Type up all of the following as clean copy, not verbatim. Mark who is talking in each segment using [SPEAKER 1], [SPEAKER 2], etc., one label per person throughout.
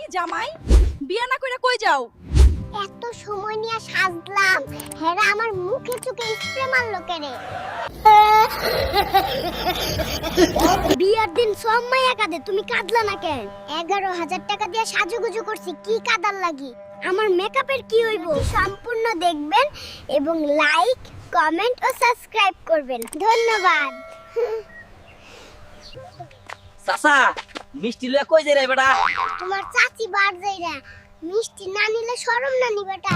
[SPEAKER 1] জামাই বিয়া না কইরা কই যাও?
[SPEAKER 2] এত সময় নিয়ে সাজলাম, হেরা আমার মুখে চোখে স্প্রে মারলো কেনে? বিয়ার দিন সব মাইয়া কাঁদে, তুমি কাঁদলা না কেন? 11,000 টাকা দিয়ে সাজুগুজু করছি, কি কাঁদার লাগি? আমার মেকআপের কি হইব? সম্পূর্ণ দেখবেন এবং লাইক, কমেন্ট ও সাবস্ক্রাইব করবেন। ধন্যবাদ।
[SPEAKER 3] চাচা মিষ্টি লয়ে কই যাই রে বেটা?
[SPEAKER 2] তোমার চাচি বার যাইরা, মিষ্টি না নিলে শরম না নি বেটা?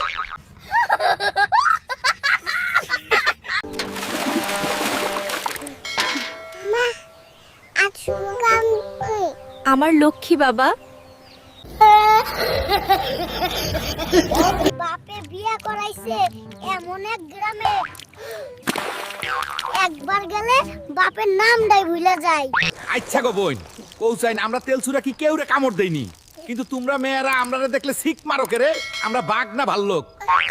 [SPEAKER 2] মা, আজ শুনলাম
[SPEAKER 1] আমার লক্ষ্মী বাবা।
[SPEAKER 2] বাপে বিয়া করাইছে এমন এক গ্রামে, একবার গেলে বাপের নামটাই ভুলে যায়।
[SPEAKER 4] আচ্ছা গো বোন, কৌসাইন আমরা তেল সুরা কি কেউরে কামড় দেইনি, কিন্তু তোমরা মেয়েরা আমরারে দেখলে শিখ মারো কে রে? আমরা বাঘ না ভাল্লুক?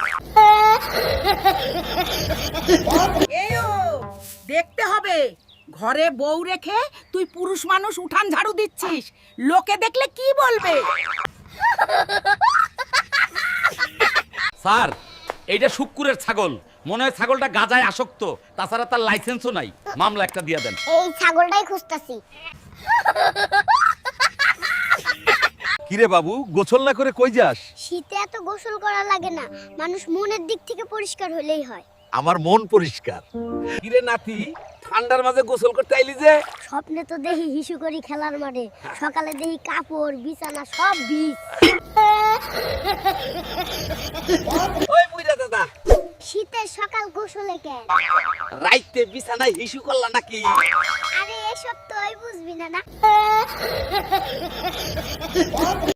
[SPEAKER 5] এও দেখতে হবে, ঘরে বউ রেখে তুই পুরুষ মানুষ উঠান ঝাড়ু দিচ্ছিস, লোকে দেখলে কি বলবে?
[SPEAKER 4] স্যার, এইটা শুক্কুরের ছাগল, মনে হয় ছাগলটা গাজায় আসক্ত, তাছাড়া তার লাইসেন্সও নাই। মামলা একটা দিয়ে দেন।
[SPEAKER 2] এই ছাগলটাই খুঁজতাছি।
[SPEAKER 6] কিরে বাবু, গোসল না করে কই যাস?
[SPEAKER 2] শীতে এত গোসল করা লাগে না, মানুষ মনের দিক থেকে পরিষ্কার হলেই হয়।
[SPEAKER 6] আমার মন পরিষ্কার।
[SPEAKER 4] কিরে নাতি, ঠান্ডার মাঝে গোসল করতে আইলি যে?
[SPEAKER 2] স্বপ্নে তো দেখি হিসু করি খেলার মাঠে, সকালে দেখি কাপড় বিছানা সব ভিজ।
[SPEAKER 4] ওই বুইড়া দাদা,
[SPEAKER 2] শীতের সকাল গোসলে কেন?
[SPEAKER 4] রাইতে বিছানায় হিসু করলা নাকি?
[SPEAKER 2] আরে এসব তুই বুঝবি না না।